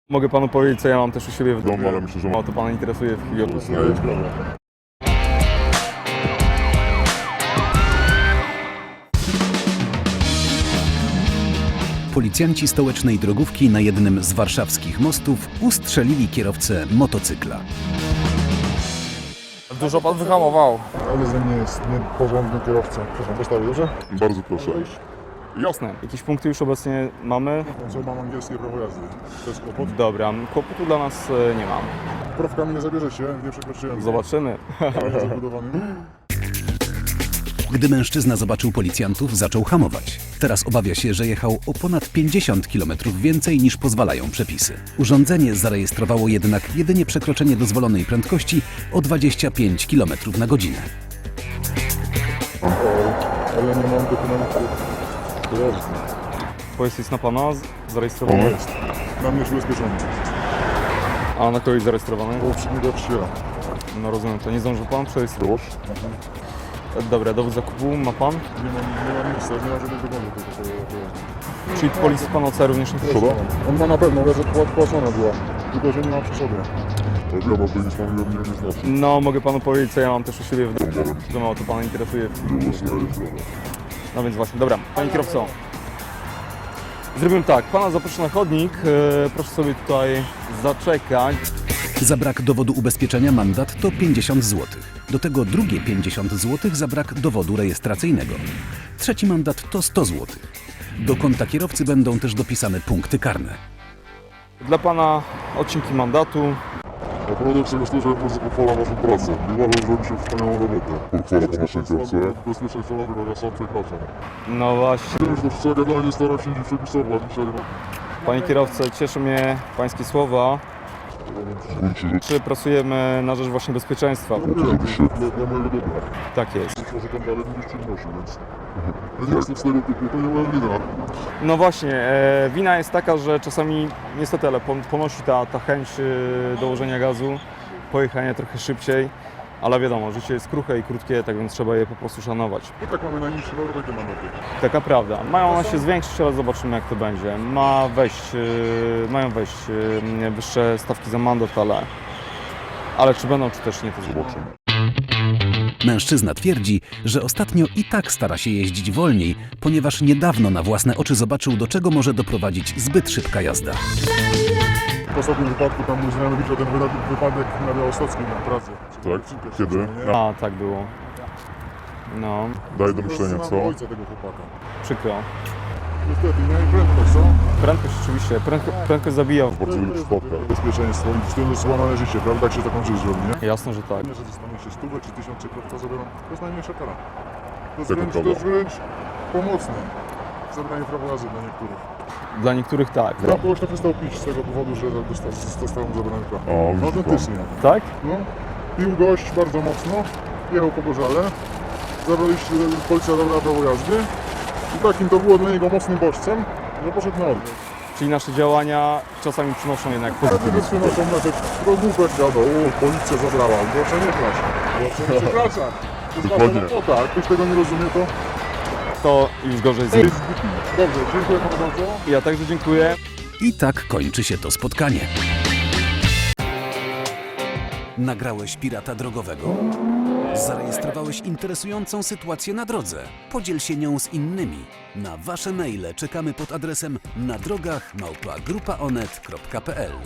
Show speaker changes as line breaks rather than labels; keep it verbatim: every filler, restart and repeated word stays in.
Mogę panu powiedzieć, co ja mam też u siebie w
domu, ale myślę, że
O, to pana interesuje w chwili obecnej.
Policjanci stołecznej drogówki na jednym z warszawskich mostów ustrzelili kierowcę motocykla.
Dużo pan wyhamował.
Ale ze mnie jest nieporządny kierowca. Proszę, postawię, dobrze? Bardzo proszę.
Jasne. Jakieś punkty już obecnie mamy?
Co, mam angielskie prawo jazdy. To jest kłopot.
Dobra, kłopotu dla nas e, nie mam.
Prawkami nie zabierzecie, nie przekroczyłem.
Zobaczymy.
Ale zabudowany.
Gdy mężczyzna zobaczył policjantów, zaczął hamować. Teraz obawia się, że jechał o ponad pięćdziesiąt kilometrów więcej niż pozwalają przepisy. Urządzenie zarejestrowało jednak jedynie przekroczenie dozwolonej prędkości o dwadzieścia pięć kilometrów na godzinę.
Ale nie mam dokumentów. Jazdy.
Pojazd jest na pana z-
O,
zarejestrowany?
jest. Na mnie jest ubezpieczony.
A na kogoś zarejestrowany?
Bo przynajmniej przyjęła.
No rozumiem, to nie zdążył pan przerejestrować.
Proszę.
Dobra, dowód zakupu ma pan?
Nie mam, nie mam miejsca, nie mam żadnych dowodów do tego pojazdu.
Czyli polis pan O C również nie
Proszę. On ma na pewno, że płacona była. Tylko, że nie ma przy sobie. Tak, ja mam nic pan nie, nie znaczy.
No, mogę panu powiedzieć, co ja mam też u siebie w domu. Że mało to pana interesuje. No więc właśnie, dobra, panie kierowco. Zrobimy tak, pana zaproszę na chodnik, e, proszę sobie tutaj zaczekać.
Za brak dowodu ubezpieczenia mandat to pięćdziesiąt złotych. Do tego drugie pięćdziesiąt złotych za brak dowodu rejestracyjnego. Trzeci mandat to sto złotych. Do konta kierowcy będą też dopisane punkty karne.
Dla pana odcinki mandatu.
Naprawdę sobie myślę, że bardzo pochwala naszą pracę. I uważam, że robi się wspaniałą robotę. Pochwala po naszej kierowcy. Bezpieczeństwo naszego, ja sam przekraczam.
No właśnie.
Wiem, że wszystko generalnie staram się nie przepisować. Dzisiaj
Panie kierowco, cieszy mnie pańskie słowa. Czy pracujemy na rzecz właśnie bezpieczeństwa?
oczywiście dla mojego dobra.
Tak jest.
Może tam dalej będziesz czynności, więc... Ja nie jestem z tego typu, to nie moja wina.
No właśnie, e, wina jest taka, że czasami niestety, ale pon- ponosi ta, ta chęć e, dołożenia gazu, pojechania trochę szybciej, ale wiadomo, życie jest kruche i krótkie, tak więc trzeba je po prostu szanować.
I tak mamy najniższe nawet takie mandaty.
Taka prawda. Mają one się zwiększyć, ale zobaczymy jak to będzie. Ma wejść, e, mają wejść e, wyższe stawki za mandat, ale, ale czy będą, czy też nie, to zobaczymy.
Mężczyzna twierdzi, że ostatnio i tak stara się jeździć wolniej, ponieważ niedawno na własne oczy zobaczył, do czego może doprowadzić zbyt szybka jazda.
W ostatnim wypadku tam mój znajomy widział ten wyda- wypadek na Białostockim na Pradze. Tak? Kiedy?
A, tak było. No,
Daj do myślenia, co? Ojca tego chłopaka.
przykro.
Niestety, nie prędkość, co?
Prędkość oczywiście, prędko, prędkość zabija.
Bardzo lubię przypadkach. Bezpieczeństwo i z tym jest złamane życie, prawda? Tak się taką rzecz robi, nie?
Jasne, że tak.
Nie, że dostanie się stówę czy tysiące krok, to zabieram. To jest najmniejsza kara. To jest
Tak
wręcz, to jest wręcz pomocne. Zabranie prawa jazdy dla niektórych.
Dla niektórych tak.
Ja kogoś tak przestał pić z tego powodu, że dosta- zostało mu zabrane prawo. No autentycznie.
Tak?
No. Pił gość bardzo mocno, jechał po Bożale, zabraliście, policja zabrała prawo jazdy i takim to było dla niego mocnym bodźcem, że poszedł na odwrót.
Czyli nasze działania czasami przynoszą jednak pozytywne.
Wtedy przynoszą efekt, drogówek jadą, o, policja zabrała, proszę nie kraść, proszę nie przekraczać. To jest wasza robota, jak ktoś tego nie rozumie, to
To już gorzej z
jest zbytni. Dobrze, dziękuję panu bardzo.
Ja także dziękuję.
I tak kończy się to spotkanie. Nagrałeś pirata drogowego? Zarejestrowałeś interesującą sytuację na drodze? Podziel się nią z innymi. Na wasze maile czekamy pod adresem na drogach małpa grupa onet kropka p l.